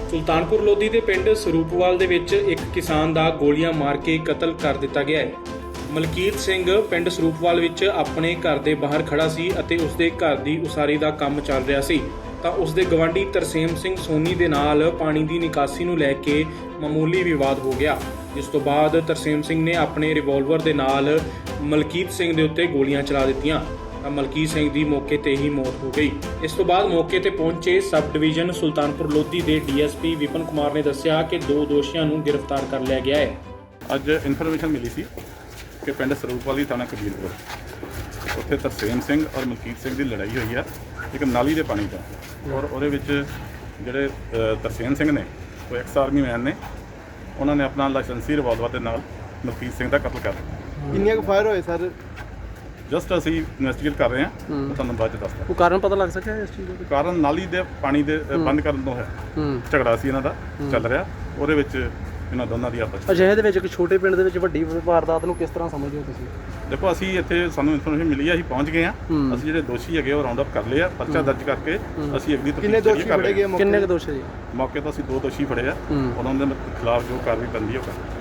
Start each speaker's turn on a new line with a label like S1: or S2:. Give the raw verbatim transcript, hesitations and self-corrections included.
S1: ਸੁਲਤਾਨਪੁਰ ਲੋਧੀ ਦੇ ਪਿੰਡ ਸਰੂਪਵਾਲ ਦੇ ਵਿੱਚ ਇੱਕ ਕਿਸਾਨ ਦਾ ਗੋਲੀਆਂ ਮਾਰ ਕੇ ਕਤਲ ਕਰ ਦਿੱਤਾ ਗਿਆ ਹੈ। ਮਲਕੀਤ ਸਿੰਘ ਪਿੰਡ ਸਰੂਪਵਾਲ ਵਿੱਚ ਆਪਣੇ ਘਰ ਦੇ ਬਾਹਰ ਖੜਾ ਸੀ ਅਤੇ ਉਸਦੇ ਘਰ ਦੀ ਉਸਾਰੀ ਦਾ ਕੰਮ ਚੱਲ ਰਿਹਾ ਸੀ ਤਾਂ ਉਸਦੇ ਗਵਾਂਢੀ ਤਰਸੇਮ ਸਿੰਘ ਸੋਨੀ ਦੇ ਨਾਲ ਪਾਣੀ ਦੀ ਨਿਕਾਸੀ ਨੂੰ ਲੈ ਕੇ ਮਾਮੂਲੀ ਵਿਵਾਦ ਹੋ ਗਿਆ, ਜਿਸ ਤੋਂ ਬਾਅਦ ਤਰਸੇਮ ਸਿੰਘ ਨੇ ਆਪਣੇ ਰਿਵਾਲਵਰ ਦੇ ਨਾਲ ਮਲਕੀਤ ਸਿੰਘ ਦੇ ਉੱਤੇ ਗੋਲੀਆਂ ਚਲਾ ਦਿੱਤੀਆਂ ਤਾਂ ਮਲਕੀਤ ਸਿੰਘ ਦੀ ਮੌਕੇ ਤੇ ਹੀ ਮੌਤ ਹੋ ਗਈ। ਇਸ ਤੋਂ ਬਾਅਦ ਮੌਕੇ ਤੇ ਪਹੁੰਚੇ ਸਬ ਡਿਵੀਜ਼ਨ ਸੁਲਤਾਨਪੁਰ ਲੋਧੀ ਦੇ D S P Vipan Kumar ਨੇ ਦੱਸਿਆ ਕਿ ਦੋ ਦੋਸ਼ੀਆਂ ਨੂੰ ਗ੍ਰਿਫਤਾਰ ਕਰ ਲਿਆ ਗਿਆ ਹੈ।
S2: ਅੱਜ ਇਨਫੋਰਮੇਸ਼ਨ ਮਿਲੀ ਸੀ ਕਿ ਪਿੰਡ ਸਰੂਪਵਾਲੀ ਥਾਣਾ ਕਬੀਰਪੁਰ ਉੱਥੇ ਤਰਸੇਮ ਸਿੰਘ ਔਰ ਮਲਕੀਤ ਸਿੰਘ ਦੀ ਲੜਾਈ ਹੋਈ ਹੈ ਇੱਕ ਨਾਲੀ ਦੇ ਪਾਣੀ ਦਾ, ਔਰ ਉਹਦੇ ਵਿੱਚ ਜਿਹੜੇ ਅ, ਤਰਸੇਮ ਸਿੰਘ ਨੇ ਉਹ ਐਕਸ ਆਰਮੀ ਮੈਨ ਨੇ, ਉਹਨਾਂ ਨੇ ਆਪਣਾ ਲਾਇਸੈਂਸੀ ਰਿਵਾਲਵਰ ਦੇ ਨਾਲ ਮਲਕੀਤ ਸਿੰਘ ਦਾ ਕਤਲ ਕਰ ਦਿੱਤਾ।
S3: ਕਿੰਨੀਆਂ ਕੁ ਫਾਇਰ ਹੋਏ ਸਰ?
S2: ਜਸਟ ਅਸੀਂ ਇਨਵੈਸਟੀਗੇਟ ਕਰ ਰਹੇ ਹਾਂ, ਉਹ ਤੁਹਾਨੂੰ ਬਾਅਦ ਚ ਦੱਸਦਾ।
S4: ਉਹ ਕਾਰਨ ਪਤਾ ਲੱਗ ਸਕਿਆ ਇਸ ਚੀਜ਼ ਦਾ?
S2: ਕਾਰਨ ਨਾਲੀ ਦੇ ਪਾਣੀ ਦੇ ਅ, ਬੰਦ ਕਰਨ ਤੋਂ ਹੈ, ਝਗੜਾ ਸੀ ਇਹਨਾਂ ਦਾ ਚੱਲ ਰਿਹਾ, ਉਹਦੇ ਵਿੱਚ ਇਹਨਾਂ ਦੋਨਾਂ ਦੀ ਆਪਸ
S4: ਅਜਿਹੇ ਦੇ ਵਿੱਚ ਇੱਕ ਛੋਟੇ ਪਿੰਡ ਦੇ ਵਿੱਚ ਵੱਡੀ ਵਾਰਦਾਤ ਨੂੰ ਕਿਸ ਤਰ੍ਹਾਂ ਸਮਝਦੇ ਹੋ ਤੁਸੀਂ?
S2: ਦੇਖੋ ਅਸੀਂ ਇੱਥੇ ਸਾਨੂੰ ਇਨਫੋਰਮੇਸ਼ਨ ਮਿਲੀ ਹੈ, ਅਸੀਂ ਪਹੁੰਚ ਗਏ ਹਾਂ। ਅਸੀਂ ਜਿਹੜੇ ਦੋਸ਼ੀ ਹੈਗੇ ਉਹ ਰਾਉਂਡ ਅਪ ਕਰ ਲਏ ਆ, ਪਰਚਾ ਦਰਜ ਕਰਕੇ ਅਸੀਂ ਅਗਲੀ
S3: ਕਿੰਨੇ ਦੋਸ਼ੀ ਫੜੇ ਗਏ?
S4: ਕਿੰਨੇ ਕੁ ਦੋਸ਼ੀ ਜੀ?
S2: ਮੌਕੇ ਤੋਂ ਅਸੀਂ ਦੋ ਦੋਸ਼ੀ ਫੜੇ ਆ, ਉਹਨਾਂ ਦੇ ਖਿਲਾਫ ਜੋ ਕਾਰਵਾਈ ਬਣਦੀ ਹੈ ਉਹ ਕਰ